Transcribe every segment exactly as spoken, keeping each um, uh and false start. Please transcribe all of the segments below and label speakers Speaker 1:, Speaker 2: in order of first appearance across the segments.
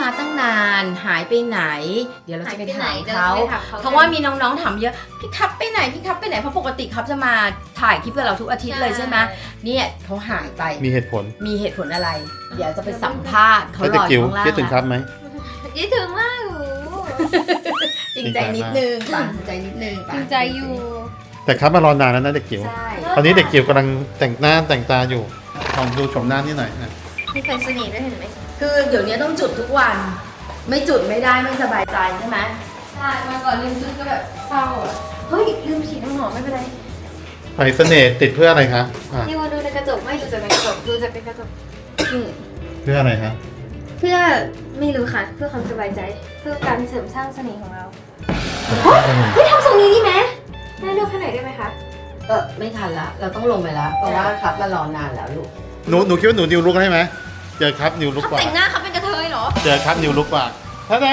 Speaker 1: ตั้งนานหายไปไหนเดี๋ยวเราจะไปถามเขาเพราะว่ามีน้องๆถามเยอะพี่ครับไปไหนพี่ครับไปไหนเพราะปกติครับจะมาถ่ายคลิปกับเราทุกอาทิตย์เลยใช่ไหมเนี่ยเขาหายไป
Speaker 2: มีเหตุผล
Speaker 1: มีเหตุผลอะไร เดี๋ยวจะไปสัมภาษณ์เขารออ
Speaker 2: จิ๋ว
Speaker 1: ยู่ข้างล่าง
Speaker 2: คิดถึงครับไหม
Speaker 3: คิดถึงมากอยู่
Speaker 1: จริงใจนิดนึงปังจริงใจนิดนึง
Speaker 3: จริงใจอยู่
Speaker 2: แต่ครับมารอนานแล้วนะเด็กจิ๋ว
Speaker 1: ใช่
Speaker 2: ตอนนี้เด็กจิ๋วกำลังแต่งหน้าแต่งตาอยู่ลองดูชมหน้านี่หน่อยนะ
Speaker 3: มีไฟเสน่ห์ด้วยเห็นไหม
Speaker 1: คือเดี๋ยวนี้ต้องจุดทุกวัน ไม่จุดไม่ได้ไม่สบายใจใช่ไหม
Speaker 3: ใช่มาก่อนลืมจุดก็แบบเศร้าอ่ะเฮ้ยลืมฉีดน้ำหอมไม่เป็นไร
Speaker 2: ไฟเสน่ห์ติดเพื่ออะไรคะอ่ะ
Speaker 3: นี่ว่าดูในกระจกไม่ดูจากในกระจกดูจากในกระจกอืม
Speaker 2: เพื่ออะไรคะ
Speaker 3: เพื่อไม่รู้ค่ะเพื่อความสบายใจเพื่อการเสริมสร้างเสน่ห์ของเราเฮ้ยทำทรงนี้ดีไหมแม่เลือกให้หน่อยได้ไหมคะ
Speaker 1: เออไม่ทันละเราต้องลงไปแล้วเพราะว่าครับมารอนานแล้วลูก
Speaker 2: หนูหนูคิดว่าหนูนิวลุกได้ไหมเจอครับนิวลุก
Speaker 3: เขา
Speaker 2: กว่า
Speaker 3: แต่งหน้าเขาเป็นกระเทยเหรอ
Speaker 2: เจอครับนิวลุกกว่าท่าแด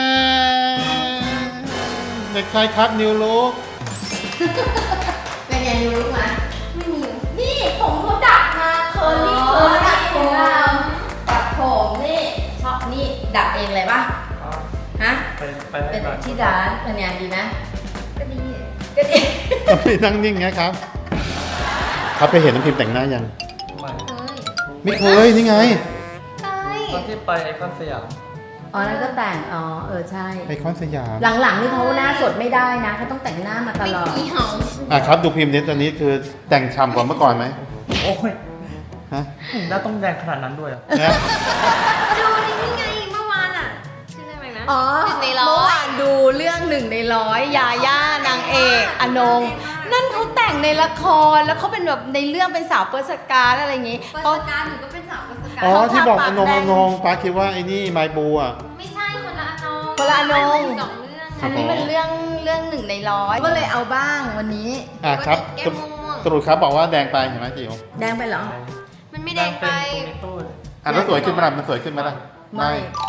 Speaker 2: เด็กชายครับนิวลุก
Speaker 1: เป็นไงรู้ไหม
Speaker 3: ไม่มี
Speaker 1: นี่ผมเขาดัดมาเคอร์ลี่เคอร์ดัดผมเราดัดผมนี่ชอบนี่ดัดเองเลยป่ะฮะ
Speaker 4: ไปไป
Speaker 1: เป็
Speaker 4: ให้
Speaker 1: น
Speaker 4: ก่อน
Speaker 1: ที่ร้านเป็นไงดีไหม
Speaker 3: ก็ดี
Speaker 1: ก็ดี
Speaker 2: ทำไมนั่งนิ่งไงครับ ครับไปเห็นน้ำพิมพ์แต่งหน้ายัง
Speaker 4: ไม่
Speaker 3: เฮ้ย
Speaker 2: ไม่เคยนี่ไง
Speaker 3: ใช่
Speaker 4: ตอนที่ไปไอคอนสยาม
Speaker 1: อ๋อแล้วก็แต่งอ๋อเออใช่
Speaker 2: ไอคอนสยาม
Speaker 1: หลังๆนี่เขาหน้าสดไม่ได้นะเขาต้องแต่งหน้ามาตลอด
Speaker 3: ไม่เห่า
Speaker 2: อ่ะครับดูพิมพ์นี้ตอนนี้คือแต่งฉ่ำกว่าเมื่อก่อนไหม
Speaker 4: โอ้ย
Speaker 2: ฮะ
Speaker 4: หน้าต้องแดงขนาดนั้นด้วยเหรอ
Speaker 2: นะ
Speaker 3: ดูนี่ไงเมื่อวานอ่ะชื่ออะไรนะ
Speaker 1: อ๋อ
Speaker 3: หนึ่งในร้อย
Speaker 1: เมื่อวานดูเรื่องหนึ่งในร้อยยาย่านางเอกอนงนั่นเขาแต่งในละครแล้วเขาเป็นแบบในเรื่องเป็นสาวเปอร์สการอะไรอย่างงี้
Speaker 3: เปิด
Speaker 1: เขา
Speaker 3: สการหนูก็เป็นสาวเปิดสการ
Speaker 2: อ๋อที่บอก
Speaker 1: เขา
Speaker 2: อ
Speaker 1: ทาปาก
Speaker 2: นง
Speaker 1: แด
Speaker 2: อง นงป้าคิดว่าไอ้นี่ไมบูอ่ะ
Speaker 3: ไม่ใช่คนละอนง
Speaker 1: คนละอนง
Speaker 3: สองเรื่อง
Speaker 2: ครั
Speaker 1: อั
Speaker 2: บ
Speaker 1: นนี้เป็นเรื่องเรื่องหนึ่งในร้อยก็เลยเอาบ้างวันนี้
Speaker 2: อ่ะครับ
Speaker 3: แก้
Speaker 2: ส
Speaker 3: ม
Speaker 2: รุป
Speaker 3: ม่วง
Speaker 2: สรุปครับบอกว่าแดงไปเห็นไหมจิ๋ว
Speaker 1: แดงไปเหรอ
Speaker 3: มันไม่แดงไป
Speaker 4: ตรงนี้ตู้เลย
Speaker 2: อ่ะแล้วสวยขึ้นไหมล่ะมันสวยขึ้นไหมล่ะ
Speaker 1: ไม่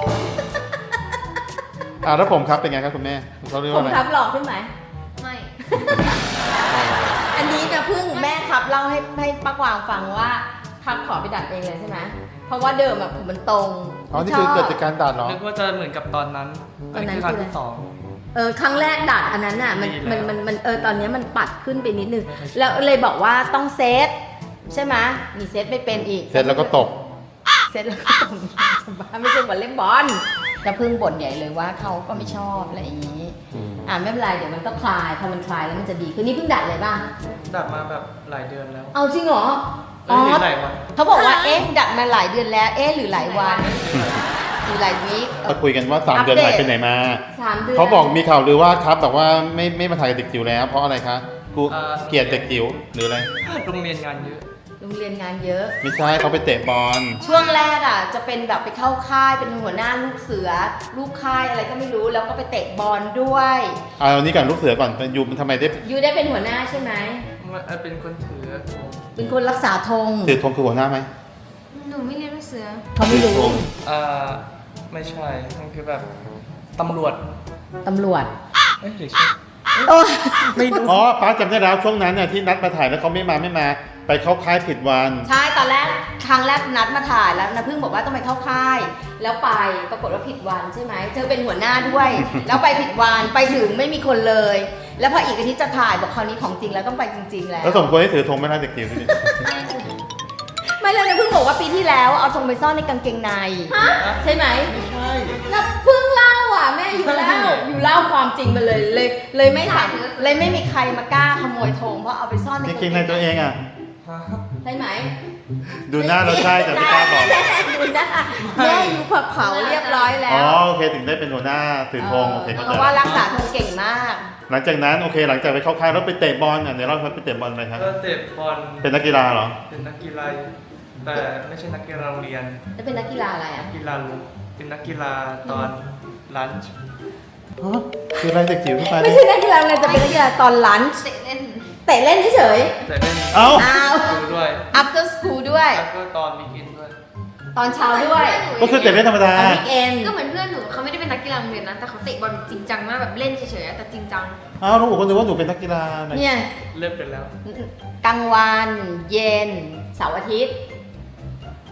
Speaker 2: อ่ะแล้วผมครับเป็นไงครับคุณแม่เขาเรียก
Speaker 1: ผ
Speaker 2: ว่าม อะไร
Speaker 1: ครับหล่อขึ้นไหม
Speaker 3: ไม่
Speaker 1: อันนี้นะเพิ่งแม่ครับเล่าให้ให้ป้ากวางฟังว่าครับขอไปดัดเองเลยใช่ไหมเพราะว่าเดิมอะผมมันตรง
Speaker 2: อ๋อนี่คือเกิดจากการตัดเหรอ
Speaker 4: นึกว่าจะเหมือนกับตอนนั้น
Speaker 1: ตอนนั้น
Speaker 4: คือครั้งที่สอง
Speaker 1: เออครั้งแรกดัดอันนั้นน่ะมัน
Speaker 4: ดี
Speaker 1: มัน
Speaker 4: แล้ว
Speaker 1: มันมันเออตอนนี้มันปัดขึ้นไปนิดนึงแล้วเลยบอกว่าต้องเซตใช่ไหมมีเซตไม่เป็นอีก
Speaker 2: เสร็จแล้วก็ตก
Speaker 1: เซตแล้วก็ตกบ้าไม่ใช่บอลเล่นบอลจะพึ่งบ่นใหญ่เลยว่าเขาก็ไม่ชอบอะไรอย่างนี้
Speaker 2: อืม
Speaker 1: อ่าไม่เป็นไรเดี๋ยวมันก็คลายพอมันคลายแล้วมันจะดีคือนี่เพิ่งดัดเลยป่ะ
Speaker 4: ดับมาแบบหลายเดือนแล้ว
Speaker 1: เอาจริงเหรอ
Speaker 4: เอ้ยหรือหลายวัน
Speaker 1: เขาบอกว่าเอ๊ะดัดมาหลายเดือนแล้วเอ๊ะหรือหลายวันหรือหลายวีค
Speaker 2: ก็คุยกันว่าสามเดือนหายไปไหนมา
Speaker 1: สามเดือน
Speaker 2: เขาบอกมีข่าวลือว่าครับแบบว่าไม่ไม่มาถ่ายกับเด็กจิ๋วแล้ว เพราะอะไรคะกูเกลียดเด็กจิ๋วหรืออะไร
Speaker 4: โรงเรียนงานเยอะ
Speaker 1: โรงเรียนงานเยอะ
Speaker 2: ไม่ใช่เขาไปเตะบอล
Speaker 1: ช่วงแรกอ่ะจะเป็นแบบไปเข้าค่ายเป็นหัวหน้าลูกเสือ ลูกค่ายอะไรก็ไม่รู้แล้วก็ไปเตะบอลด้วย
Speaker 2: เอาอันนี้ก่อนลูกเสือก่อนยูมันทำไมได้
Speaker 1: ยูได้เป็นหัวหน้าใช่ไหม
Speaker 4: มันเป็นคนถือธง
Speaker 1: เป็นคนรักษาธง
Speaker 2: ถือธงคือหัวหน้าไหม
Speaker 3: หนูไม่เรียนลูกเสือ
Speaker 1: เขาไม่รู้
Speaker 4: อ่าไม่ใช่ มันคือแบบตำรวจ
Speaker 1: ตำรวจ
Speaker 4: เอ้ยหรือใช่
Speaker 1: โอ้
Speaker 4: ไม่รู้
Speaker 2: อ๋อป้าจำได้แล้วช่วงนั้นน่ะที่นัดมาถ่ายแล้วเขาไม่มาไม่มา ไปเข้าค่ายผิดวัน
Speaker 1: ใช่ตอนแรกครั้งแรกนัดมาถ่ายแล้วนะพึ่งบอกว่าต้องไปเข้าค่าย แล้วไปปรากฏว่าผิดวันใช่ไหมเธอเป็นหัวหน้าด้วย แล้วไปผิดวันไปถึงไม่มีคนเลย แล้วพออีกอาทิตย์จะถ่ายบอกคราวนี้ของจริงแล้วต้องไปจริง ๆ แล้ว
Speaker 2: แล้วสมควรให้ถือธงไหมล่ะเด็กจิ๋วนี่
Speaker 1: ไม่เลยนะพึ่งบอกว่าปีที่แล้วเอาธงไปซ่อนในกางเกงในใช่ไหม
Speaker 4: ไม่ใช่
Speaker 1: นะเพิ่งเล่าอ่ะแม่อยู่เล่าอยู่เล่าความจริงมาเลยเลย เลยไม่ถามเลยไม่มีใครมากล้าขโมยธงเพราะเอาไปซ่อนใน
Speaker 2: จ
Speaker 1: กางเก
Speaker 2: ริง
Speaker 1: ง
Speaker 2: ๆในตัวเองอ่ะ
Speaker 1: ใช่ไหม
Speaker 2: ดูหน้าเราใช่แต่ไม่กล้าบอก
Speaker 1: ดูหน้าแม่อยู่ผับเผาเรียบร้อยแล้
Speaker 2: อ๋อ
Speaker 1: ว
Speaker 2: โอเคถึงได้เป็นหัวหน้าถือธงโอเคเข้า
Speaker 1: เพ
Speaker 2: ใจ
Speaker 1: ราะว่ารักษาธงเก่งมาก
Speaker 2: หลังจากนั้นโอเค หลังจากไปเข้าค่ายแล้วไปเตะบอลอ่ะในรอบนั้นไปเตะบอลอะไรครับ
Speaker 4: ก็เตะบอล
Speaker 2: เป็นนักกีฬาเหรอ
Speaker 4: เป็นนักกีฬาแต่ไม่ใช่นักกีฬาโรงเรียน
Speaker 1: แล้วเป็นนักกีฬาอะไรอ่ะ
Speaker 4: กีฬาลุกเป็นนักกีฬาตอนลันช์
Speaker 2: ฮะคืออะไรเด็กจิ๋วขึ้นไป
Speaker 1: ไม่ใช่นักกีฬาเลยจะเป็นนักกีฬาตอนลันช์
Speaker 3: เตะเล่น
Speaker 1: เตะเล่นเฉย
Speaker 4: แต่เล่น
Speaker 2: เอ้า
Speaker 1: ๆอ้าว
Speaker 4: ดูด้วย
Speaker 1: after school ด้วย
Speaker 4: แล้วก็ตอนวีคเอนด์ด้วย
Speaker 1: ตอนเช้าด้วย
Speaker 2: ก็คือเตะเล่นธรรมดา
Speaker 1: ตอนวิกเอน
Speaker 3: ก็เหมือนเพื่อนหนูเขาไม่ได้เป็นนักกีฬาโรงเรียนนะแต่เขาเตะบอลจริงจังมากแบบเล่นเฉยๆแต่จริงจัง
Speaker 2: อ้าวลูกคนนึกว่าหนูเป็นนักกีฬาไหน
Speaker 1: เนี่ย
Speaker 4: เลิกไปแล้ว
Speaker 1: กลางวันเย็นเสาร์อาทิตย์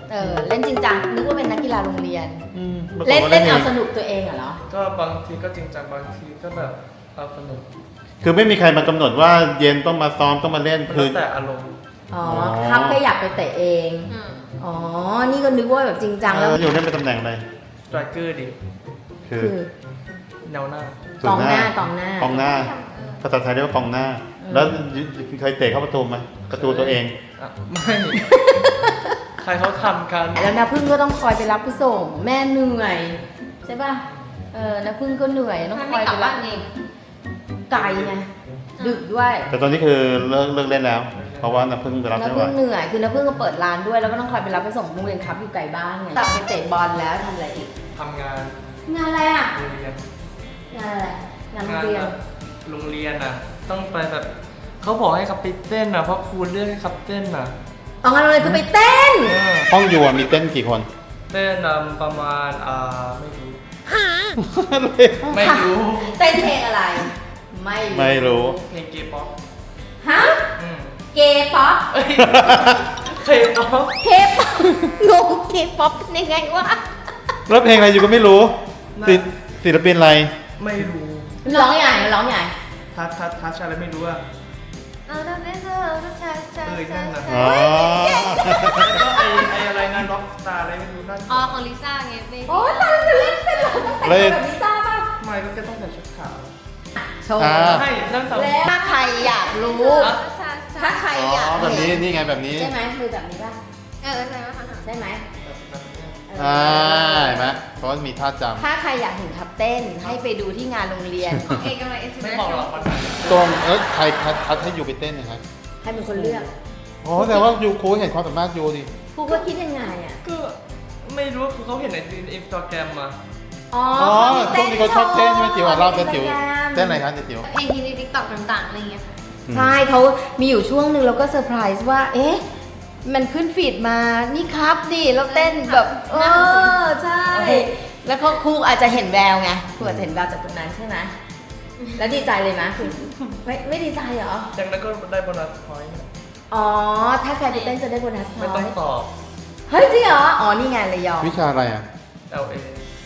Speaker 1: เออเล่นจริงจังนึกว่าเป็นนักกีฬาโรงเรียน
Speaker 2: อืม
Speaker 1: เล่น
Speaker 2: ปรากฏว่า
Speaker 1: เล่นเอา
Speaker 2: ง
Speaker 1: สนุกตัวเองเหรอ
Speaker 4: ก็บางทีก็จริงจังบางทีก็แบบเอาสนุก
Speaker 2: คือไม่มีใครมากำหนดว่าเย็นต้องมาซ้อมต้องมาเล่น
Speaker 4: มัน
Speaker 2: คื
Speaker 4: แล้
Speaker 2: อ
Speaker 4: วแต่อารมณ์
Speaker 1: อ๋อ
Speaker 2: อ๋อ
Speaker 1: ครับแค่อยากไปเตะเอง
Speaker 3: อืม
Speaker 1: อ๋อ นี่ก็นึกว่าแบบจริงจังแล้ว
Speaker 2: เอออยู่เล่นเป็นตำแหน่งอะไร
Speaker 4: สไตรเกอร์ดิ
Speaker 2: คือ
Speaker 1: คือ
Speaker 4: แนวหน้า
Speaker 2: ส่
Speaker 1: ก
Speaker 2: ว
Speaker 1: องหน้ากองหน้าก
Speaker 2: องหน้า ภาษาไทยเรียกว่ากองหน้า แล้วเคยเตะเข้าประตูไหมประตูตัวเอง
Speaker 4: อ่ะไม่ ใครเขาทำกัน
Speaker 1: แล้วนะพึ่งก็ต้องคอยไปรับไปส่ง แม่เหนื่อย ใช่ป่ะ เออนะพึ่งก็เหนื่อยต้อง
Speaker 3: มัน
Speaker 1: ค
Speaker 3: ไม่
Speaker 1: อย
Speaker 3: กลั
Speaker 1: ไป
Speaker 3: บ
Speaker 1: รั
Speaker 3: บ้า
Speaker 1: บ
Speaker 3: นเอง
Speaker 1: ไกลไงดึกด้วย
Speaker 2: แต่ตอนนี้คือเลิกเลิกเล่นแล้ว เพราะว่าน้ำพึ่งไปรับ
Speaker 1: น้า
Speaker 2: ไม่ไหว
Speaker 1: พึ่งเหนื่อย คือน้าพึ่งก็เปิดร้านด้วย แล้วก็ต้องคอยไปรับไปส่งโรงเรียนครับอยู่ไกลบ้านไงกลับไปเตะบอลแล้วทำอะไรอีก
Speaker 4: ทำงาน
Speaker 1: งานอะไรอ่ะ
Speaker 4: โรงเรียน
Speaker 1: งานอะไร งานโรงเรียน
Speaker 4: แบบโรงเรียนอ่ะ ต้องไปแบบเขาบอกให้ขับไปเต้นอ่ะเพราะครูเลือกให้ขับเต้นอ่ะ
Speaker 1: เอางานโรงเรียนคือไปเต้น
Speaker 4: เออ
Speaker 2: ห้องอยู่อะมีเต้นกี่คน
Speaker 4: เต้นอ่ะประมาณอ่าไม่รู้ ไม่รู้
Speaker 1: เต้นเพลงอะไร ไม่
Speaker 2: ไม่รู้
Speaker 4: เพลงเกย์ป๊อป
Speaker 1: ฮะ
Speaker 4: อืม
Speaker 1: เกย์ป๊อป
Speaker 4: เอ้ยเคยป๊อป
Speaker 1: เคป๊อปงงเคป๊อปเป็นยังไงวะ
Speaker 2: แล้วเพลงอะไรอยู่ก็ไม่รู้ศิลศิลปินอะไร
Speaker 4: ไม่รู้
Speaker 1: มันร้องใหญ่มันร้องใหญ่
Speaker 4: ทัชทัชทัชอะไรไม่รู้อ่ะ
Speaker 3: เอาเดินเดินเดินเดินช้าช้า
Speaker 4: เออนั่นน่ะ
Speaker 2: อ๋อ
Speaker 4: แล้วก็ไอไออะไรงานร็อกสตาร์อะไรไม่รู้นั่น
Speaker 3: อ๋อของลิซ่าไงเบบี้
Speaker 1: โอ้ยตายแล้วเล่นเป็นแบบ
Speaker 2: เล่น
Speaker 1: แบบลิซ่าป่ะ
Speaker 4: ไม่ก็แกต้องใส่ชุดขาว
Speaker 1: โชว์
Speaker 2: อ่า
Speaker 4: ให้นั่งสาว
Speaker 1: แล้วถ้าใครอยากรู้
Speaker 3: ช้าช้า
Speaker 1: ถ้าใคร
Speaker 2: อ๋
Speaker 1: อยาก
Speaker 2: อแบบนี้
Speaker 1: เห็น
Speaker 2: นี่ไงแบบนี้
Speaker 1: ใช่ไหมมือแบบนี้ป่ะ
Speaker 3: เออใช่ไหมคะ
Speaker 1: ใช่ไหม
Speaker 2: อ่าเห็นไหมเพราะว่ามีท่าจ
Speaker 1: ถ้าใครอยากเห็นทับเต้นให้ไปดูที่งานโรงเรียน
Speaker 3: ของเอกกำลังเอ็น
Speaker 4: ไม่บอกหรอกมัน
Speaker 2: ำตรงเออใครคัดคัดให้ยูไปเต้นนะครับ
Speaker 1: ให้เป็นคนเลือก
Speaker 2: อ๋อแต่ว่ายูครูเห็นความสามารถยูดิ
Speaker 1: ครูก็คิดยังไงอ่ะ
Speaker 4: ก็ไม่รู้คือเขาเห็นในอินสตาแกรมมา
Speaker 1: อ๋อ
Speaker 2: อ๋อ
Speaker 1: เขามี
Speaker 2: พวกนี้เขาชอบเต้นใช่ไหมจิ๋วอ่ะรอบเต้นจิ๋ว
Speaker 1: โชว์ใน
Speaker 2: เต้นอะไรครับจิ๋ว
Speaker 3: เพลงที่ในทิกตอกต่างๆอะไรอย่างเงี้ยค่ะ
Speaker 1: ใช่เขามีอยู่ช่วงหนึ่งเราก็เซอร์ไพรส์ว่า เอ๊ะ มันขึ้นฟีดมา นี่ครับดิแล้วเต้นแบบ เออ ใช่ แล้วเขาครูอาจจะเห็นแววไงครูอาจจะเห็นแววจากตรงนั้นใช่ไหมแล้วดีใจเลยไหมคุณไม่ไม่ดีใจเหรอ
Speaker 4: จากนั้นก็ได้โบนัสพอยต์
Speaker 1: อ๋อ ถ้าใครไปเต้นจะได้โบนัสน้
Speaker 4: ไม่ต้อง
Speaker 1: อย
Speaker 4: สอบ
Speaker 1: เฮ้ยจริงเหรอ อ๋อ นี่ไงเลยยอม
Speaker 2: วิชาอะไรอ่ะ
Speaker 4: แอล เอ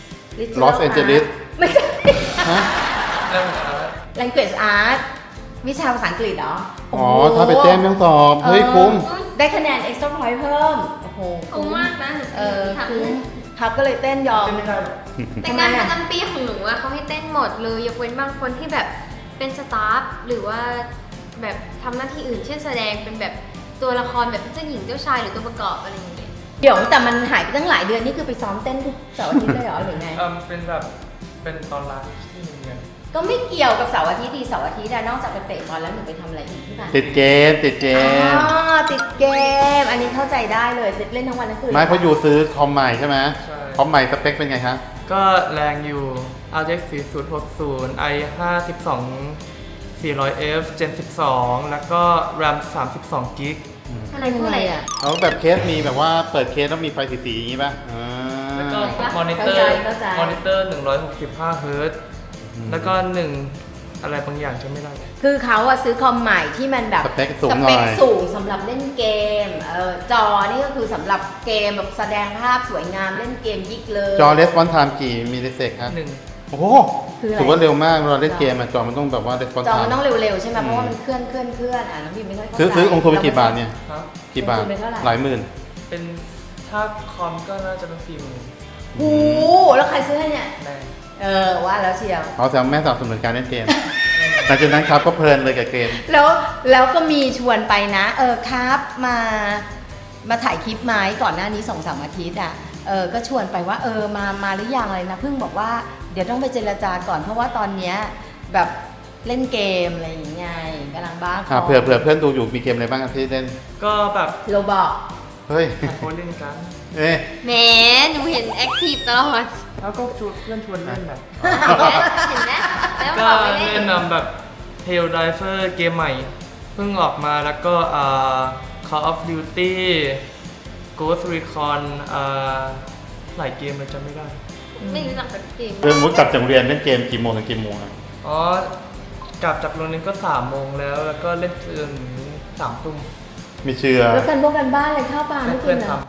Speaker 2: Los Angeles
Speaker 1: ไม่ใช่
Speaker 2: ฮะ
Speaker 4: แล้วอาร์ต
Speaker 1: language art วิชาภาษาอังกฤษเหรอ
Speaker 2: อ๋อถ้าไปเต้นไม่ต้องสอบเฮ้ยคุ้ม
Speaker 1: เออได้คะแนน extra point เพิ่ม โอ้โห
Speaker 3: คุ้มมากนะหนู
Speaker 1: เออ
Speaker 3: ทำ
Speaker 1: คุ้มครับก็เลยเต้นยอม
Speaker 4: เต้นไม่ได้หรอก
Speaker 3: แต่งานประจำปีของหนูอะเขาให้เต้นหมดเลยยกเว้นบางคนที่แบบเป็นสตาฟหรือว่าแบบทำหน้าที่อื่นเช่นแสดงเป็นแบบตัวละครแบบเจ้าหญิงเจ้าชายหรือตัวประกอบอะไรอย่างเงี้ย
Speaker 1: เดี๋ยวแต่มันหายไปตั้งหลายเดือนนี่คือไปซ้อมเต้นทุกเสาร์อาทิตย์เลยเหรอหรือไง
Speaker 4: เออเป็นแบบเป็นตอนรักที่โรงเรียน
Speaker 1: ก็ไม่เกี่ยวกับเสาร์อาทิตย์ดีเสาร์อาทิตย์อะนอกจากไปเตะบอลแล้วหนูไปทำอะไรอีกที่ไหน
Speaker 2: ติดเกมติดเกม
Speaker 1: อ๋อติดเกม อันนี้เข้าใจได้เลยเล่นทั้งวันทั้งคืน
Speaker 2: ไม่เพราะยูซื้อคอมใหม่ใช่ไหม
Speaker 4: ใช่
Speaker 2: คอมใหม่สเปคเป็นไงคะ
Speaker 4: ก็แรงอยู่ อาร์ เอ็กซ์ สี่ศูนย์หกศูนย์ ไอ ห้าสิบสอง สี่ร้อยเอฟ Gen สิบสอง แล้วก็ RAM สามสิบสองกิก
Speaker 1: อะไรคืออะไรอะ
Speaker 2: เอาแบบเคสมีแบบว่าเปิดเคสแล้วมีไฟสีๆอย่างนี้ป่ะอ่า
Speaker 4: แล้วก็
Speaker 1: เข้าม
Speaker 4: อนิเตอ
Speaker 1: เข้า
Speaker 4: ร์
Speaker 1: ใจเข้าใจ
Speaker 4: มอนิเตอร์หนึ่งร้อยหกสิบห้าเฮิร์ตซ์แล้วก็หนึ่งอะไรบางอย่างจะไม่ได้
Speaker 1: คือเขาอะซื้อคอมใหม่ที่มันแบบ
Speaker 2: สเปคสูง
Speaker 1: ส
Speaker 2: ห
Speaker 1: เป
Speaker 2: น่อ
Speaker 1: ค
Speaker 2: ย
Speaker 1: สูงสำหรับเล่นเกมเออจอนี่ก็คือสำหรับเกมแบบแสดงภาพสวยงามเล่นเกมยิกเลย
Speaker 2: จอレスปอนไทม์กี่มิลลิเซกครับ
Speaker 4: หนึ่ง
Speaker 2: โอ้โห
Speaker 1: คืออะไร
Speaker 2: ถือว่าเร็วมากเวลาเล่นเกมอะจอมันต้องแบบว่าレスปอน
Speaker 1: จอ
Speaker 2: ไท
Speaker 1: มัน
Speaker 2: ม์
Speaker 1: ต้องเร็วๆใช่ไหม
Speaker 2: อืม
Speaker 1: เพราะว่ามันเคลื่อนเคลื่อนเคลื่อนอ่ะน้องพิมไม่ค่อยเข้าใจ
Speaker 2: ซื้อซื้อองค์ทุนไปกี่บาทเนี่ย
Speaker 4: ครับ
Speaker 2: กี่บาท
Speaker 1: ลงทุนไปเท่าไหร่
Speaker 2: หลายหมื่น
Speaker 4: เป็นถ้าคอมก็น่าจะเป็นฟิล์ม
Speaker 1: โอ้โหแล้วใครซื้อให้เนี่ย
Speaker 4: แรง
Speaker 1: เออว่าแล้วเชียว
Speaker 2: เขาแซวแม่สนับสนุนการเล่นเกม หลังจากนั้นครับก็เพลินเลยกับเกม
Speaker 1: แล้วแล้วก็มีชวนไปนะ เออครับมามาถ่ายคลิปไหมก่อนหน้านี้สองสามอาทิตย์อ่ะเออก็ชวนไปว่าเออมามาหรือยังอะไรนะเพิ่งบอกว่าเดี๋ยวต้องไปเจรจาก่อนเพราะว่าตอนเนี้ยแบบเล่นเกมอะไรอย่างเงี้ยกำลังบ้าค
Speaker 2: อ่าเผื่อเผื่อเพื่อนดูอยู่มีเกมอะไรบ้างครับที่เล่น
Speaker 4: ก็แบบ
Speaker 1: โรบอก
Speaker 2: เฮ้ย
Speaker 4: โคเล่นกัน
Speaker 2: เอ๊ะ
Speaker 3: แหมหนูเห็นแอคทีฟตลอด
Speaker 4: แล้วก็ชวนเพื่อนชวนเล่นแบบ
Speaker 3: เห็นไหมแล้ว
Speaker 4: ก็
Speaker 3: บอกไปเล่
Speaker 4: เล่
Speaker 3: น
Speaker 4: นนำแบบ Tail Diver เกมใหม่ เพิ่งออกมาแล้วก็อ่า Call of Duty Ghost Recon อ่าหลายเกมเลยจำไม่ได้
Speaker 3: ไม่รู้จักสักเกม
Speaker 2: เรื่องมุดกลับจากโรงเรียนเล่นเกมกี่โมงถึงกี่โมงอะ
Speaker 4: อ๋อกลับจากโรงเรียนก็สามโมงแล้ว แล้วก็เล่นจนสามทุ่ม
Speaker 2: มีเชื่อ
Speaker 1: แล้วกันพวกกันบ้านอะไรเข้าปลาไม่กิ
Speaker 4: เพื่อน น
Speaker 1: เหร
Speaker 4: ท
Speaker 1: อ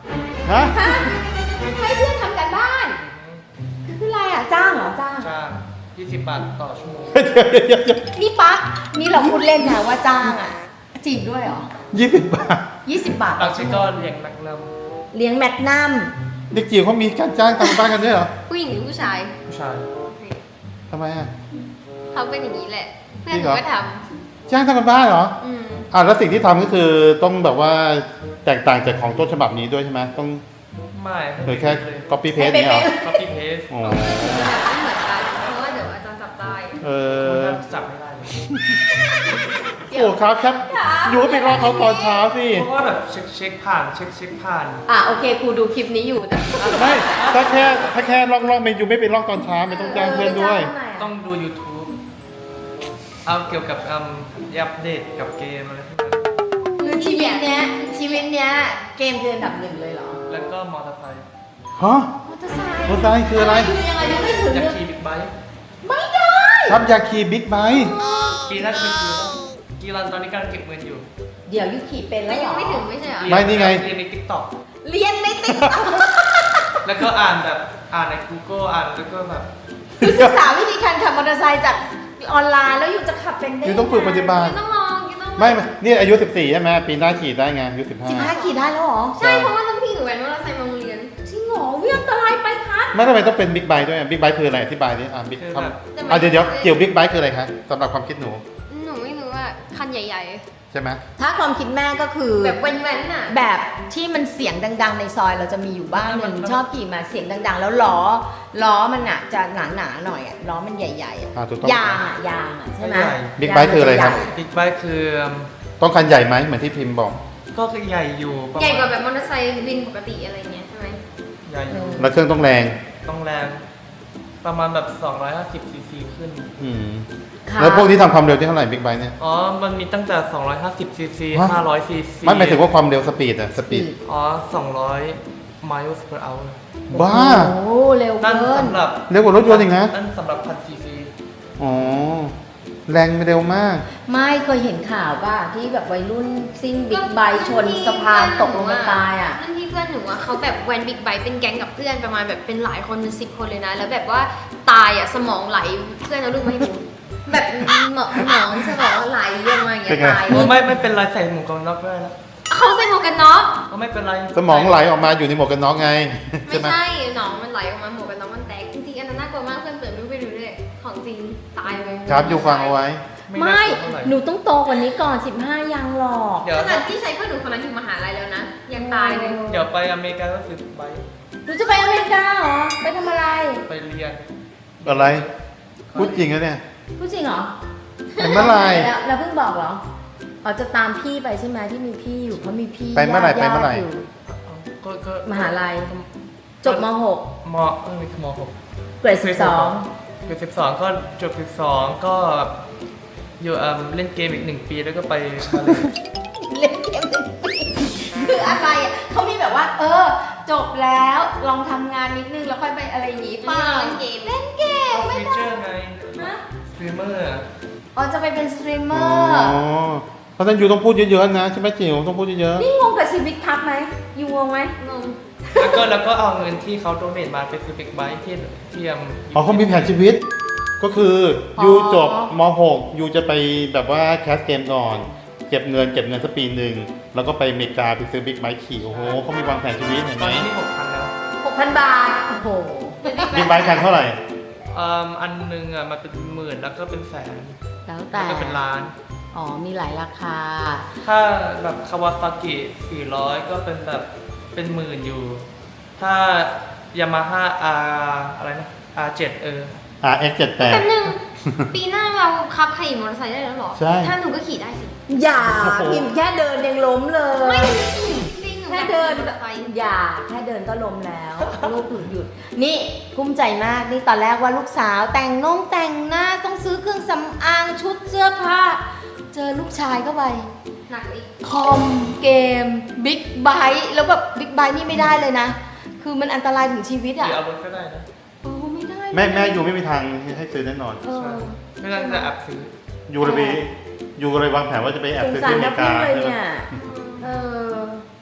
Speaker 2: ฮะ
Speaker 1: ฮะให้เพื่อนทำการบ้านคืออะไรอ่ะจ้างเหรอจ้าง
Speaker 4: จ้างยี่สิบบาทต่อชั่วโมง
Speaker 1: นี่ปั๊กนี่เราพูดเล่นนะว่าจ้างอ่ะจริงด้วยเหรอ
Speaker 2: ยี่สิบบาท
Speaker 1: ยี่สิบบาท
Speaker 4: บางทีก็เลี้ยงนักน
Speaker 1: เลี้ยงแมกนัม
Speaker 2: เด็กจิ๋วเขามีการจ้างทำบ้านกันด้วยเหรอ
Speaker 3: ผู้หญิงหรือผู้ชาย
Speaker 4: ำผู้ชาย
Speaker 2: ทำไมอ่ะ
Speaker 3: เขาเป็นอย่างนี้แหละ เพื่อน
Speaker 2: จริ
Speaker 3: ห
Speaker 2: งเหร
Speaker 3: นู
Speaker 2: อ
Speaker 3: ก็ท
Speaker 2: จ้างทำกันบ้านเหรอ
Speaker 3: ำอืม
Speaker 2: อ่าแล้วสิ่งที่ทำก็คือต้องแบบว่าแตกต่างจากของต้นฉบับนี้ด้วยใช่ไหมต้อง
Speaker 4: ไม่
Speaker 2: หรือแค่
Speaker 4: เลย
Speaker 2: copy paste เนี่ยเหรอ
Speaker 4: copy paste
Speaker 2: อ๋อ
Speaker 3: แบบไม่เหมือนกัน เพราะว่าเดี๋ยวอาจารย์จับได้
Speaker 2: เอ
Speaker 4: คุณ
Speaker 2: อ
Speaker 4: น่าจะจับไม่ได้เลย
Speaker 2: โอ้ครับครับอยู่ก็ไปรอเขาตอนเช้าสิ
Speaker 4: เพราะว่าแบบเช็คเช็คผ่านเช็คเช็คผ่าน
Speaker 1: อ่ะโอเคครูดูคลิปนี้อยู่แต่
Speaker 2: ไม่ถ้าแค่ถ้าแค่ลอกลอกเมนูไม่ไปลอกตอนเช้าไม่ต้องจ้างเพื่อนด้วย
Speaker 4: ต้องดู YouTube เอาเกี่ยวกับอืมอัปเดตกับเกมอะไรพวกนั้น
Speaker 1: คือชีวิตเนี้ยชีวิตเนี้ยเกมคืออันดับหนึ่งเลยเหรอ
Speaker 4: แล้วก็มอเตอร์ไซค์
Speaker 2: ฮะ
Speaker 1: มอเตอร์ไซค์
Speaker 2: มอเตอร์ไซค์คืออะไร
Speaker 1: คือยังไงยังไม่ถึง
Speaker 4: อยาก
Speaker 1: เลย
Speaker 4: ขี่บิ๊กไบค์
Speaker 1: ไม่ได้
Speaker 2: ครับอยากขี่บิ๊กไบค์
Speaker 4: ปีหน่าจะไปซื้อแล้วกีรันตอนนี้กำลังเก็บเงินอยู่
Speaker 1: เดี๋ยวยุขี่เป็นแล้
Speaker 3: แล้ว ว
Speaker 1: เหร
Speaker 3: ยั
Speaker 1: อง
Speaker 3: ไม่ถึงไม่ใช่เหรอ
Speaker 2: ไม่นี่ไง
Speaker 4: เรียนใน TikTok
Speaker 1: เรียนในติ๊กต็อก
Speaker 4: แล้วก็อ่านแบบอ่านใน Google อ่านแล้วก็แบบ
Speaker 1: คือศึกษาวิธีการขับมอเตอร์ไซค์จากออนไลน์แล้วอยู่จะขับเป็นได้
Speaker 2: อยู่ต้องฝึกปฏิบัติ
Speaker 3: ไม่ต้องลองไม่ต้องลอง
Speaker 2: ไม่ไม่นี่อายุสิบสี่ใช่ไหมปีหน้าขี่ได้ไงอายุสิบห้า
Speaker 1: สิบห้าขี่ได้แล้วเหรอ
Speaker 3: ใช่เพราะว่ารุ่นพี่หนูแว้นว่าเราใส่มาโรงเรียน
Speaker 1: จริงเหรอเวียงอันตรายไปครับ
Speaker 2: ไม่ทำไมต้องเป็นบิ๊กไบค์ด้วยบิ๊กไบค์คืออะไรอธิบายดิอ่าบิ๊ก
Speaker 4: คือ
Speaker 2: ค
Speaker 4: แบบ
Speaker 2: ำอ่ะเดี๋ยวเดี๋ยวเกี่ยวบิ๊กไบค์คืออะไรคะสำหรับความคิดหนู
Speaker 3: หนูไม่รู้ว่าคันใหญ่
Speaker 2: ใช่ไหม
Speaker 1: ถ้าความคิดแม่ก็คือ
Speaker 3: ๆ แบบแว้นๆน่ะ
Speaker 1: แบบที่มันเสียงดัง ๆ ในซอยเราจะมีอยู่บ้านหนึ่งชอบขี่มาเสียงดัง ๆ แล้วล้อล้อมันอ่ะจะหนาๆหน่อยอ่ะล้อมันใหญ่ๆอ่ะ
Speaker 2: อ่าถูกต้อง
Speaker 1: ยางอ่ะยางอ่ะใช่ไหม
Speaker 4: ใหญ่
Speaker 2: บิ๊กไบค์คืออะไรครับ
Speaker 4: บิ๊กไบค์คือ
Speaker 2: ต้องคันใหญ่ไหมเหมือนที่พิมพ์บอก
Speaker 4: ก็คือใหญ่อยู่ประมณ
Speaker 3: ใหญ่กว่าแบบมอเตอร์ไซค์วินปกติอะไรเงี้ยใช่ไหม
Speaker 4: ใหญ่อยู่
Speaker 2: แล้วเครื่องต้องแรง
Speaker 4: ต้องแรงประมาณแบบสองร้อยห้าสิบซีซีขึ้น
Speaker 2: อืม
Speaker 1: ค่ะ
Speaker 2: แล้วพวกนี้ทำความเร็วที่เท่าไหร่บิ๊กไบค์เนี่ย
Speaker 4: อ๋อ มันมีตั้งแต่สองร้อยห้าสิบซีซี
Speaker 2: ฮะ
Speaker 4: ห้าร้อยซีซี
Speaker 2: ไม่หมายถึงว่าความเร็วสปีดอะสปีด
Speaker 4: อ๋อสองร้อย miles per hour
Speaker 2: บ้า
Speaker 1: โอ้เร็ว
Speaker 4: นั่น
Speaker 1: เกิน
Speaker 4: สำหรับ
Speaker 2: เร็วกว่ารถยนต์อีกนะ
Speaker 4: นั่นสำหรับพันซีซี
Speaker 2: อ๋อ แรงเร็วมาก
Speaker 1: ไม่เคยเห็นข่าวป่ะที่แบบวัยรุ่นซิ่งบิ๊กไบค์ชนสะพานตกลงมาตายอ่ะ
Speaker 3: นั่นที่เพื่อนหนูอะเขาแบบแวนบิ๊กไบค์เป็นแก๊งกับเพื่อนประมาณแบบเป็นหลายคนเป็นสิบคนเลยนะ แล้วแบบว่าตายอ่ะสมองไหลเพื่อนเอาลูกมาให้ดูแบบหมอหมองสมองไหลออกมาอย่างเงี้
Speaker 2: เป็
Speaker 3: ย
Speaker 2: นไง
Speaker 3: ตาย
Speaker 4: โอ้ไม่ไม่เป็นไรใส่หมวกกันน็อกได้แล้ว
Speaker 3: เขาใส่หมวกกันน็อก
Speaker 4: ก็ไม่เป็นไร
Speaker 2: สมองไหลออกมาอยู่ในหมวกกันน็อกไง
Speaker 3: ไม่
Speaker 2: ใช่ไหม
Speaker 3: ใช่หนองมันไหลออกมาหมวกกันน็อกมันแตกจริงๆอันนั้นน่ากลัวมากเพื่อนเปิดรูปไปดูด้วยของจริงตายเลย
Speaker 2: ครับอยู่ฟังเอาไว้
Speaker 1: ไม่
Speaker 4: น่ากลัวเท่าไหร่
Speaker 1: หนูต้องโตกว่านี้ก่อนสิบห้ายังหรอก
Speaker 4: เดี๋ยว
Speaker 3: ขนาดที่ใช้เพื่อนหนูคนนั้นอยู่มหาลัยแล้วนะยังตายเลย
Speaker 4: เดี๋ยวไปอเมริกาก็ซื้อไบค์
Speaker 1: หนูจะไปอเมริกาเหรอ ไปทำอะไร
Speaker 4: ไปเรียน
Speaker 2: อะไร พูดจริงนะเนี่ย
Speaker 1: พูดจริงเหรอ
Speaker 2: ไปเมื่อไหร่
Speaker 1: แล้วแล้วเพิ่งบอกเหรออ๋อจะตามพี่ไปใช่ไหมที่มีพี่อยู่เขามีพี่
Speaker 2: ไปเมื่อไหร่
Speaker 1: ญาติ
Speaker 2: ไปเมื่อไหร่
Speaker 1: ยู่
Speaker 4: ก็ก็
Speaker 1: มหาลัย จบม .หก
Speaker 4: มเออมหก
Speaker 1: เกรดสิบสอง
Speaker 4: เกือบสิบสองก็จบสิบสองก็อยู่เอ่มเล่นเกมอีกหนึ่งปีแล้วก็ไปมาเลย
Speaker 1: เล่นเกมหนึ่งปีคืออะไรอ่ะเขามีแบบว่า เออ จบแล้วลองทำงานนิดนึงแล้วค่อยไปอะไรอย่างงี้
Speaker 3: เป
Speaker 1: เปล่า
Speaker 3: เล่นเกม
Speaker 1: เล่นเกม
Speaker 4: เอา
Speaker 1: ไม่
Speaker 4: ฟี
Speaker 1: ได้
Speaker 4: เจอร์ไง
Speaker 1: ฮะ
Speaker 4: สตรีมเมอร์
Speaker 1: อ๋อจะไปเป็นสตรีมเม
Speaker 2: อ๋
Speaker 1: อ
Speaker 2: อ
Speaker 1: ร์
Speaker 2: เพราะฉะนั้นอยู่ต้องพูดเยอะๆนะใช่ไหมจิ๋วต้องพูดเยอะ
Speaker 1: นี่งงกับชีวิตครับไหมยูงงไหม
Speaker 3: งง
Speaker 4: แล้วก็แล้วก็เอาเงินที่เขาโดเนทมาไปซื้อบิ๊กไบค์ที่ที่ยม
Speaker 2: ๆอ๋อเขามีแผนชีวิต ก็คือยูจบม .หก ยูจะไปแบบว่าแคสเกมก่อน เก็บเงินเก็บเงินสักปีหนึ่งแล้วก็ไปอเมริกาไปซื้อบิ๊กไบค์ขี่โอ้โหเขามีวางแผนชีวิตเห็น
Speaker 4: ต
Speaker 2: ไห
Speaker 4: อ
Speaker 2: ม
Speaker 4: นนี้นี่หกพันแล้ว
Speaker 1: หกพันบาท โอ้โห
Speaker 2: บิ๊กไบค์คันเท่าไหร่
Speaker 4: เอ่มอันหนึงอ่ะมันเป็นหมื่นแล้วก็เป็นแสน
Speaker 1: แล้ว
Speaker 4: แล้ว
Speaker 1: แต่
Speaker 4: ก็เป็นล้าน
Speaker 1: อ๋อ มีหลายราคา
Speaker 4: ถ้าแบบคาวาซากิสี่ร้อยก็เป็นแบบเป็นหมื่นอยู่ ถ้ายามาฮ่าอาอะไรนะ อาร์ เจ็ด เออ
Speaker 2: อาร์ เอ็กซ์ เจ็ดสิบแปด
Speaker 3: แป๊บนึง ปีหน้าเราขับขี่มอเตอร์ไซค์ได้แล้วเหรอ
Speaker 2: ใช่
Speaker 3: ถ้าหนูก็ขี่ได้สิ
Speaker 1: อย่า
Speaker 2: โอ้โห
Speaker 1: พิมพ์แค่เดินยังล้มเลย
Speaker 3: ไม่จริงหนูอ
Speaker 1: แค่
Speaker 3: ยาก
Speaker 1: เดิน
Speaker 3: ขี่มอเตอร์ไซค์
Speaker 1: อย่าแค่เดินก็ล้มแล้วลูกหยุดหยุด นี่ภูมิใจมาก นี่ตอนแรกว่าลูกสาวแต่งน้องแต่งหน้าต้องซื้อเครื่องสำอางชุดเสื้อผ้า เจอลูกชายเข้าไป
Speaker 3: หนักอีก
Speaker 1: คอมเกมบิ๊กไบค์แล้วแบบบิ๊กไบค์นี่ไม่ได้เลยนะ คือมันอันตรายถึงชีวิต
Speaker 4: หรื
Speaker 1: อ่ะ
Speaker 4: อเอารถก็ได้นะ
Speaker 1: โอ้ไม่ได้
Speaker 2: แม่แม่ยูไม่มีทางให้ซื้อแน่นอน
Speaker 1: เออ
Speaker 4: ไม่น่าจะแอบซื้อ
Speaker 2: ยูเลยไปยูเลยวางแผนว่าจะไปแอบ
Speaker 1: สง
Speaker 2: ซื้อ
Speaker 1: สาร
Speaker 2: ที่อเม
Speaker 1: นัก
Speaker 2: ริ
Speaker 1: วิ่
Speaker 2: กาง
Speaker 1: เลย
Speaker 2: ใช่ไหม
Speaker 1: เนี่ย เออ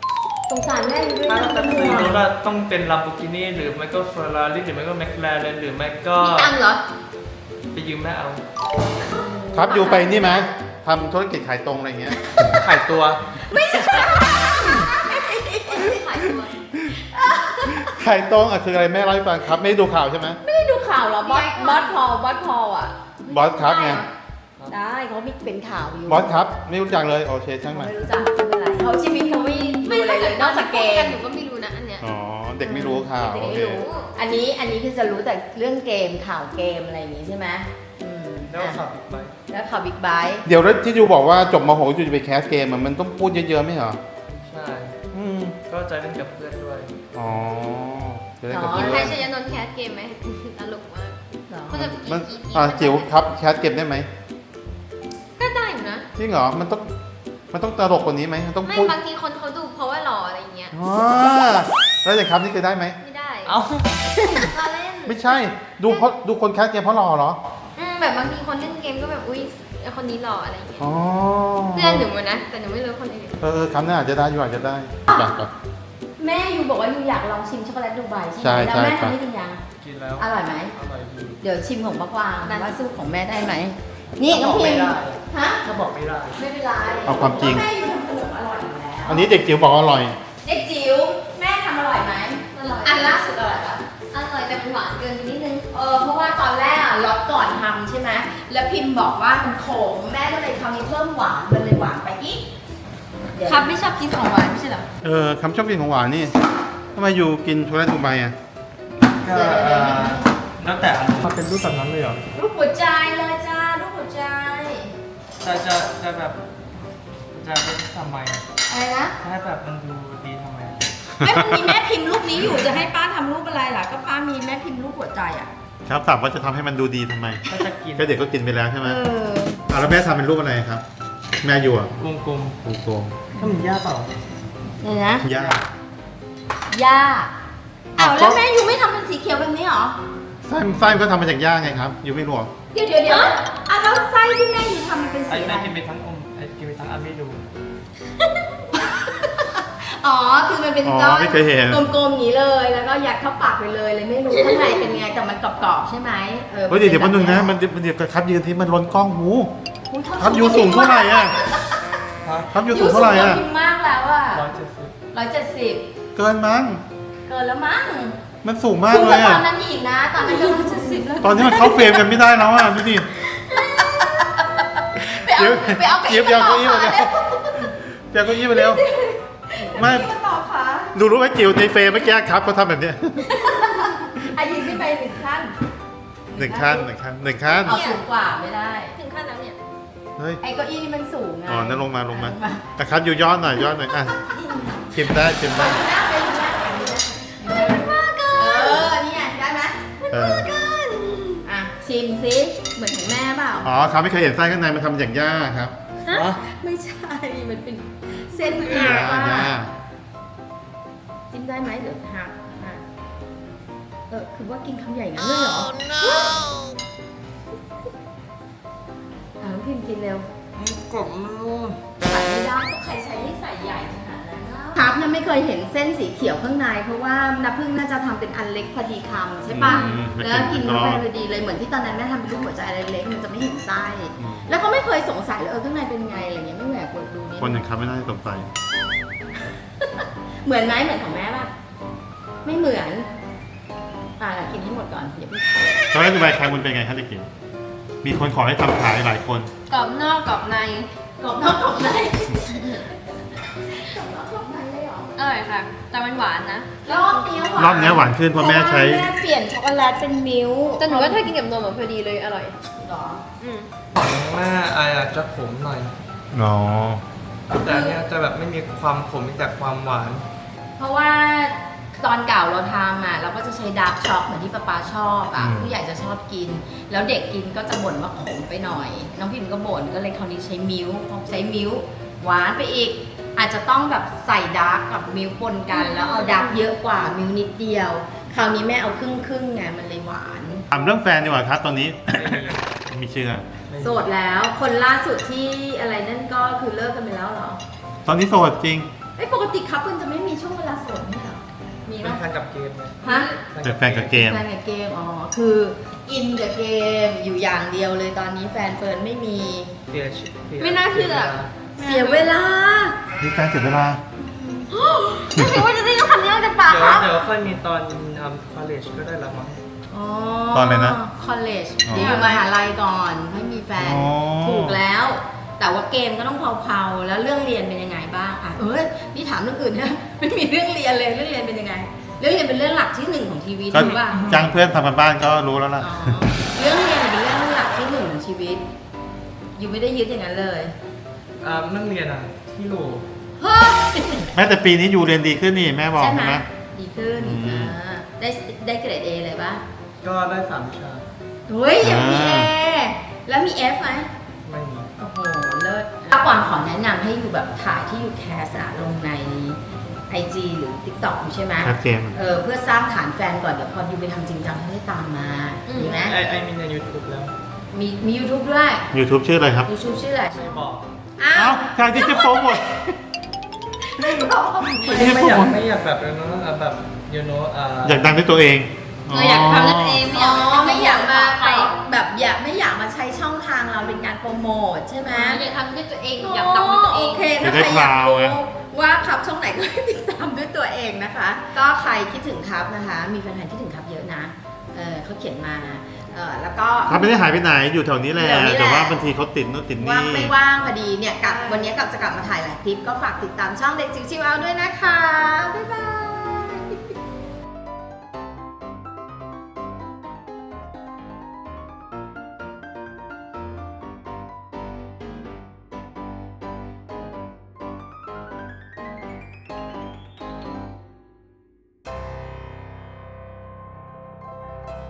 Speaker 1: สงสารแม่ด้วย
Speaker 4: ถ้า
Speaker 1: นะ
Speaker 4: จะซื้อรถอะต้องเป็น Lamborghini หรือไม่ก็ Ferrari หรือไม่ก็ McLaren หรือไม่ก็
Speaker 3: มีตังค์เหรอ
Speaker 4: ไปยืมแม่เอา
Speaker 2: ครับอยู่ไปนี่ไหมทำธุรกิจขายตรงอะไรเงี้ย
Speaker 4: ขายตัว
Speaker 3: ขายตัว
Speaker 2: ขายตรงอ่ะคืออะไรแม่เล่าให้ฟังครับไม่ได้ดูข่าวใช่ไหม
Speaker 1: ไม่ได้ดูข่าวเหรอบอสบอสพอบอสพออ่ะ
Speaker 2: บอสครับไง
Speaker 1: ได้เขามีเป็นข่าวอยู่
Speaker 2: บอสครับไม่รู้จักเลยโอเคช่างมัน
Speaker 1: ไม่รู้จักไม่เป็นไรเขาชีวิตเขาไม่ดูอะไรเลยนอกจากเกม
Speaker 3: หนูก็ไม่รู้นะอันเนี้ย
Speaker 2: อ๋อเด็กไม่รู้ข่าว
Speaker 1: เด็ก
Speaker 2: โอ
Speaker 1: ไม่
Speaker 2: เค
Speaker 1: รู้อันนี้อันนี้คือจะรู้แต่เรื่องเกมข่าวเกมอะไรอย่างงี้ใช่ไหมอืม
Speaker 4: แล้ว
Speaker 1: อ่ะ
Speaker 4: ขับอีกไป
Speaker 1: แล้วข่าวบิ๊กไบค์
Speaker 2: เดี๋ยวแล้วที่ยูบอกว่าจบม .หก ยูจะไปแคสเกมอะมันต้องพูดเยอะๆไหมเหรอ
Speaker 4: ใช่
Speaker 2: อืม
Speaker 4: ก็จะเล่นกับเพื่อนด้วย
Speaker 2: อ๋อจะได้กับ
Speaker 3: กิ
Speaker 2: เพื่
Speaker 3: น
Speaker 2: อน
Speaker 3: ไทยชยนนท์แคสเกมไหมตลกมาก
Speaker 1: เหรอ
Speaker 3: ก็จะ
Speaker 2: มัน
Speaker 3: กี่กี่
Speaker 2: อ่าจิ๋วครับแคสเกมได้ไหม
Speaker 3: ก็ได้อยู่นะ
Speaker 2: จริงเหรอมันต้องมันต้องตลกกว่านี้ไหมมันต้อง
Speaker 3: ไม่
Speaker 2: พูด
Speaker 3: บางทีคนเขาดูเพราะว่าหล่ออะไรอย่างเงี้ย
Speaker 2: อ๋อแล้วแต่ครับนี่เคยได้ไหม
Speaker 3: ไม่ได้
Speaker 4: เอ้า
Speaker 3: เราเล่น
Speaker 2: ไม่ใช่ดูเพราะดูคนแคสเกมเพราะรอเหรอ
Speaker 3: อืมแบบบางทีคนเล่นเกมก็แบบอุ้ยไอ้คนนี้หล่ออะไรอย่างเงี้ย
Speaker 2: อ๋อ
Speaker 3: เพื่อนหนูอะนะ แต่หนูไม่รู้คนอื่น
Speaker 2: เออเออคำหน้าอาจจะได้อยู่อาจจะได้ไปไป
Speaker 1: แม่ยูบอกว่ายูอยากลองชิมช็อกโกแลตดูไบใช่ไหม
Speaker 2: ใช่
Speaker 1: แล้ว
Speaker 2: ใช่
Speaker 1: แม่
Speaker 2: ครับ
Speaker 1: ทำให้กินยัง
Speaker 4: กินแล้ว
Speaker 1: อร่อยไหม
Speaker 4: อร่อยดี
Speaker 1: เดี๋ยวชิมของป้ากวางว่าสู้ของแม่ได้ไหมนี่น้องพิมพ์ฮะ
Speaker 4: ก็บอกไม่ได้
Speaker 1: ไม่เป็นไร
Speaker 2: เอาความจริง
Speaker 1: แม่ยูทำขนมอร่อยอยู่แล้ว
Speaker 2: อันนี้เด็กจิ๋วบอกว่าอร่อย
Speaker 1: เด็กจิ๋วแม่ทำอร่อยไหม
Speaker 3: อร่อย
Speaker 1: อันล่าสุดอร่อยปะ
Speaker 3: อร่อยแต่มันหวานเกินไปนิดนึง
Speaker 1: เออเพราะว่าตอนแรกอะล็อตก่อนทำใช่ไหมแล้วพิมพ์บอกว่ามันขมแม่ก็เลยคราวนี้เพิ่มหวานมันเลยหวานไปอีกเดี๋ยว
Speaker 3: ครับไม่ชอบกินของหวานไม่ใช่เหรอ
Speaker 2: เออคำชอบกินของหวานนี่ทำไมอยู่กินช็อกโกแลตดูไบอ่ะ
Speaker 4: ก็เอ่อแล้วแต่อารมณ์มันเป็นรูปแบบนั้นเลยเหรอ
Speaker 1: รูปหัวใจเลยจ้ารูปหัวใจ
Speaker 4: จะจะจะแบบจะเป็นทำไมอะ
Speaker 1: อะไรนะ
Speaker 4: ถ้าแบบมันดูดีทำไม
Speaker 1: แม่มันมีแม่พิมพ์รูปนี้อยู่จะให้ป้าทำรูปอะไรล่ะก็ป้ามีแม่พิมพ์รูปหัวใจอ่ะ
Speaker 2: ครับถามว่าจะทำให้มันดูดีทำไม
Speaker 4: ก็จะกิน
Speaker 2: ก็เด็กก็กินไปแล้วใช่ไหม
Speaker 1: เออ
Speaker 2: อ่ะแล้วแม่ทำเป็นรูปอะไรครับ แม่อยู่อ่ะ
Speaker 4: กลม
Speaker 2: กลม
Speaker 4: ๆถ้ามันยากเปล่า
Speaker 1: นี่นะ
Speaker 2: ๆย่า
Speaker 1: ย่าอ้าวแล้วแม่ยูไม่ทำเป็นสีเขียวแบบนี้หรอ
Speaker 2: ไส้ไส้ก็ทำมาจากย่าไงครับยูไม่รู้เหรอ
Speaker 1: เดี๋ยวเดี๋ยวเดี๋ยวอ่ะแล้วไส้ที่แม่ยูทำมันเป็น
Speaker 4: ไอ้
Speaker 1: สีอะไร
Speaker 4: แม่กินไปทั้งอมไอ้กินไปทั้งอันไม่ดู
Speaker 1: อ๋อคือมันเป็น
Speaker 2: อ๋อ
Speaker 1: ก้อน
Speaker 2: ไม่เคยเห็น
Speaker 1: กลมๆอย่างนี้เลย แล้วก็ยัดเข้าปากไปเลยเลยไม่รู้ข้างในเป็นไงแต่มันกรอบๆใช่ไหมเออ
Speaker 2: เฮ้ยเดี๋ยวเดี๋ยวแป๊บนึงนะมันมันเดี๋ยวครับยืนที่มันล้นกล้องหู
Speaker 1: อุ๊ยเท่า
Speaker 2: ครับยูสูงเท่าไหร่อ่ะครับยูสูงเท่าไหร่อ่ะ
Speaker 1: ยูสูงกว่าพิมพ์มากแล้วอ่ะ
Speaker 4: ร้อยเจ็ดสิบ
Speaker 1: ร้อยเจ็ดสิบ
Speaker 2: เกินมั้ง
Speaker 1: เกินแล้วมั้ง
Speaker 2: มันสูงมาก
Speaker 1: สูง
Speaker 2: เล
Speaker 1: กว่าย ต
Speaker 2: อ่ะ
Speaker 1: อนนั้นอีกนะ ตอนนั้นก็ร้อยเจ็ดสิบแล้ว
Speaker 2: ตอนนี้มันเข้าเฟรมกันไม่ได้แล้วอ่ะดูดิ
Speaker 1: ไปเอาไปเอา
Speaker 2: เจี๊ยบเจี๊ยบเก้าอี้มาเร็ว เปียกเก็อี้ไปเร็วไม่
Speaker 1: ไม่มาต่อขา
Speaker 2: ดูรู้ไหมจิ๋วในเฟรมเมื่อกี้ครับเขาทำแบบเนี้ย
Speaker 1: อายิงขึ้นไปหนึ่งขั้น
Speaker 2: หนึ่งขั้นหนึ่งขั้นหนึ่งขั้น
Speaker 1: เอาสูงกว่าไม่ได้
Speaker 3: ถึงขั้นแล้วเนี่ย
Speaker 2: เฮ้ย
Speaker 1: ไอ้เก้าอี้นี่มันสูงไง
Speaker 2: อ๋อนั่นลงมาลงมาแต่ครับอยู่ย้อนหน่อยย้อนหน่อยอ่ะชิมได้ชิมได้
Speaker 1: หน้าไปดูหน้าไปดูหน้าเออนี่ไงได้ไหม
Speaker 2: เออ
Speaker 1: อ่ะชิมซิเหมือนของแม่เปล่า
Speaker 2: อ๋อครับไม่เคยเห็นไส้ข้างในมันทำอย่างย่าครับ
Speaker 4: อ๋อ
Speaker 1: ไม่ใช่ มันเป็นเส้น
Speaker 2: ย่า
Speaker 1: หัก
Speaker 2: ย่า
Speaker 1: จิ้มได้ไหมเดี๋ยวหักอ่ะเออคือว่ากินคำใหญ่งั้นเลยเหรอ อ่ะน้องพิมพ์กินเร็ว
Speaker 4: กรอบมาก
Speaker 1: ตัดไม่ได้ก็ใครใช้ให้ใส่ใหญ่ขนาดนั้นครับเนี่ยไม่เคยเห็นเส้นสีเขียวข้างในเพราะว่าน้ำผึ้งน่าจะทำเป็นอันเล็กพอดีคำใช่ปะ
Speaker 2: อืม
Speaker 1: แล้วกินเข้าไปพอดีเลยเหมือนที่ตอนนั้นแม่ทำเป็นรูปหัวใจอะไรเล็กมันจะไม่เห็นไส้
Speaker 2: อืม
Speaker 1: แล้วก็ไม่เคยสงสัยเลยเออข้างในเป็นไงอะไรเงี้ยไม่แหวกกดดูนิด
Speaker 2: คนอย่างครับไม่น่าจะสงสัย
Speaker 1: เหมือนไหมเหมือนของแม่ป่ะไม่เหมือนอ่ะกินให้หมดก่อนอย่าเพิ่ง
Speaker 2: ตอนแรกดูใบแคมมันเป็นไงครับเด็กจิ๋วมีคนขอให้ทำขายหลายคน
Speaker 3: กรอบนอกกรอบใน
Speaker 1: กรอบนอกกรอบในกรอบนอกกรอบในเลยเหรอ
Speaker 3: อร่อยค่ะ แต่มันหวานนะ
Speaker 1: รอบนี้หวาน
Speaker 2: รอบนี้หวานขึ้นเพราะแม่ใช้
Speaker 1: เพราะว่าแม่เปลี่ยนช็อกโกแลตเป็นมิลค์
Speaker 3: แต่หนูว่าถ้ากินกับนมอะพอดีเลยอร่อย
Speaker 1: หรอ
Speaker 3: อืม
Speaker 4: ของแม่ไออาจจะขมหน่อย
Speaker 2: อ๋อ
Speaker 4: แต่อันเนี้ยจะแบบไม่มีความขมมีแต่ความหวาน
Speaker 1: เพราะว่าตอนเก่าเราทำอ่ะเราก็จะใช้ดาร์กช็อกเหมือนที่ป๊าป๊าชอบอ่ะ
Speaker 2: อืม
Speaker 1: ผู้ใหญ่จะชอบกิน แล้วเด็กกินก็จะบ่นว่าขมไปหน่อย น้องพิมก็บ่นก็เลยคราวนี้ใช้มิลค์พอใช้มิลค์หวานไปอีก อาจจะต้องแบบใส่ดาร์กกับมิลค์ปนกัน แล้วเอาดาร์กเยอะกว่ามิลค์นิดเดียว คราวนี้แม่เอาครึ่งครึ่งๆไงมันเลยหวาน
Speaker 2: ถามเรื่องแฟนดีกว่าครับตอนนี้ ไม่มีเชื่อ
Speaker 1: โสดแล้วคนล่าสุดที่อะไรนั่นก็คือเลิกกันไปแล้วเหรอ
Speaker 2: ตอนนี้โสดจริง
Speaker 1: ไอ้ยปกติคัพมันจะไม่มีช่วงมีไห
Speaker 4: เป็
Speaker 1: ม
Speaker 4: นแฟนกับเกมนะ
Speaker 1: ฮะ
Speaker 2: เป็นแฟนกับเกม
Speaker 1: แฟนกับเกม อ๋อ คืออินกับเกมอยู่อย่างเดียวเลยตอนนี้แฟนเฟิร์นไม่มี
Speaker 4: เสียชีวิต
Speaker 3: ไม่น่าเชื่อ
Speaker 1: เสียเวลา
Speaker 2: นี่แฟนเสียเวลา
Speaker 3: ไม่คิดว่าจะได้ยินคำนี้ออกจากปาก
Speaker 4: เดี๋ยว
Speaker 3: เขา
Speaker 4: เดี๋ยวค่อยมีตอนทำ college ก็ได้ละมั้ง
Speaker 1: อ๋อ
Speaker 2: ตอนอะไรนะ
Speaker 1: คอลเลจ
Speaker 2: อ๋อ
Speaker 1: เดี๋ยวมหาลัยก่อนให้มีแฟน
Speaker 2: อ๋อ
Speaker 1: ถูกแล้ว แต่ว่าเกมก็ต้องเผาๆแล้วเรื่องเรียนเป็นยังไงบ้างอ่ะเอ้ยนี่ถามเรื่องอื่นนะไม่มีเรื่องเรียนเลยเรื่องเรียนเป็นยังไง เรื่องเรียนเป็นเรื่องหลักที่หนึ่งของชีวิต
Speaker 2: ก็
Speaker 1: รู้ป่ะ
Speaker 2: จ้างเพื่อนทำกันบ้านก็รู้แล้วล่ะ
Speaker 1: อ๋อเรื่องเรียนเป็นเรื่องหลักที่หนึ่งของชีวิตอยู่ไม่ได้ยึดอย่างนั้นเลย
Speaker 4: อ่าเรื่องเรียนอ่ะ ที่โหล
Speaker 1: เฮ้ย
Speaker 2: แม้แต่ปีนี้ยูเรียนดีขึ้นนี่แม่บอก
Speaker 1: ใช่
Speaker 2: ใช่
Speaker 1: ไห
Speaker 2: ไห
Speaker 1: ม
Speaker 2: ม
Speaker 1: ดีขึ้น
Speaker 2: อืม
Speaker 1: อ่าได้ได้เกรด A เลยป่ะ
Speaker 4: ก็ได้สามวิชา
Speaker 1: เฮ้ยยังมี A แล้วมี F ไหม
Speaker 4: ไม่มี
Speaker 1: โอ้โห เลิศถ้าก่อนขอแนะนำให้อยู่แบบถ่ายที่อยู่แคสอะลงใน ไอ จี หรือ TikTok อยู่ใช่ไหม
Speaker 2: แคสเกม
Speaker 1: เออเพื่อสร้างฐานแฟนก่อน เดี๋ยวพออยู่ไปทำจริงจังให้ได้ตามมา ดีไหม
Speaker 4: ไอไอมีใน YouTube แล้ว
Speaker 1: มีมี YouTube ด้วย
Speaker 2: YouTube ชื่ออะไรครับ
Speaker 1: YouTube ชื่ออะไร
Speaker 4: ไม่บอก
Speaker 1: อ้า
Speaker 2: เอ้าว ทางที่จะโปรโมท
Speaker 1: ไม่บอก
Speaker 2: ไม่
Speaker 4: ไม่
Speaker 2: ได้
Speaker 4: ไม่อยาก
Speaker 2: พูด
Speaker 4: ไม่อยากแบบนั้นนะแบบ you know อ่า
Speaker 2: อยากดังด้วยตัวเอง
Speaker 3: เอออยากทำนั่นเองไม่อ
Speaker 1: อ๋
Speaker 3: ยา
Speaker 1: อก ไม่อยากมา
Speaker 3: ใคร
Speaker 1: แบบอยากไม่อยากมาใช้ช่องทางเราเป็นการโปรโมทใช่ไหม
Speaker 3: อยากทำด้วยตัวเองอยากดังด้วยตัวเอง
Speaker 1: โอเคถ้าใครอยากรู้ว่าครับช่องไหนก็ให้ติดตามด้วยตัวเองนะคะ ก็ใครคิดถึงครับนะคะ มีแฟนๆคิดถึงครับเยอะนะเออเขาเขียนมาเออแล้วก็
Speaker 2: เขาไม่ได้หายไปไหนอยู่แถวนี้แหละ
Speaker 1: แถวนี้แหละ
Speaker 2: แต่ว่าบางทีเขาติดนู่นติด
Speaker 1: ว่าง
Speaker 2: นี่
Speaker 1: ไม่ว่างพอดีเนี่ยกลับวันนี้กลับจะกลับมาถ่ายหลายคลิปก็ฝากติดตามช่องเด็กจิ๋วชิวเอาด้วยนะคะบ๊ายบาย